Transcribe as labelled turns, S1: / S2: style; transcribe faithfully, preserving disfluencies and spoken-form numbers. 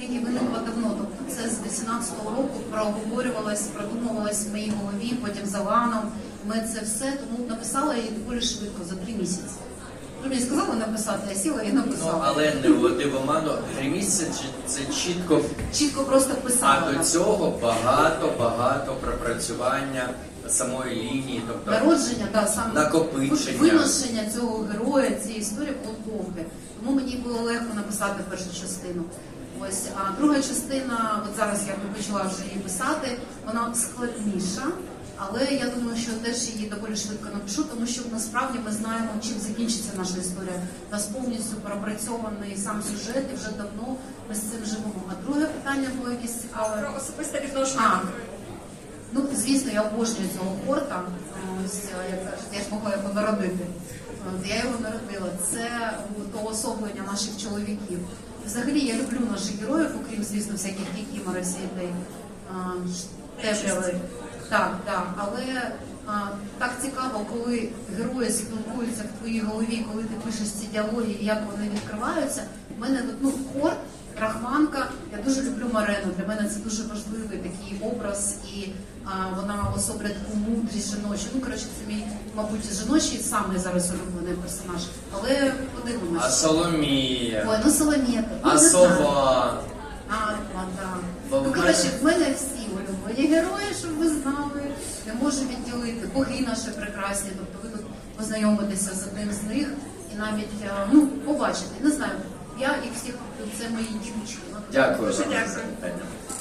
S1: стратегія виникла давно, тобто це з вісімнадцятого року проговорювалось, продумувалось в моїй голові, потім за ланом. Ми це все, тому написала її доволі швидко, за три місяці. Ви мені сказали написати, я сіла і написала.
S2: Ну, але не вводи в оману. Три місяці це чітко.
S1: Чітко просто писала.
S2: А до цього багато-багато пропрацювання самої лінії, тобто
S1: народження, да, саме
S2: накопичення.
S1: Виношення цього героя, цієї історії було довге. Тому мені було легко написати першу частину. Ось, а друга частина, от зараз я почала вже її писати, вона складніша. Але я думаю, що теж її доволі швидко напишу, тому що насправді ми знаємо, чим закінчиться наша історія. У нас повністю пропрацьований сам сюжет, і вже давно ми з цим живемо. А друге питання було якесь цікаве.
S3: Про особисте відношення.
S1: А, ну, звісно, я обожнюю цього Хорта. Ось, як кажуть, я ж могла його народити. От, я його народила. Це уособлення наших чоловіків. Взагалі, я люблю наших героїв, окрім, звісно, всяких кікімор і всієї темряви. Так, так, але а, так цікаво, коли герої спілкуються в твоїй голові, коли ти пишеш ці діалоги, як вони відкриваються. У мене, ну, Хорт, Рахманка, я дуже люблю Марену, для мене це дуже важливий такий образ, і а, вона особлює таку мудрість жіночу. Ну, коротше, це мій, мабуть, жіночий самий зараз улюблений персонаж, але подивимося.
S2: А Соломія?
S1: Ой, ну Соломія.
S2: А
S1: ну,
S2: Сова?
S1: А, так.
S2: Бо
S1: Ну,
S2: в
S1: коротше,
S2: мене-
S1: в мене всі улюблені герої, щоб ви знали, не можу відділити. Боги наші прекрасні, тобто ви тут познайомитеся з одним з них і навіть, а, ну, побачите, не знаю, я їх всіх, це мої дівчини.
S2: Дякую.
S3: Дуже
S2: вам за
S3: дякую.
S2: запитання.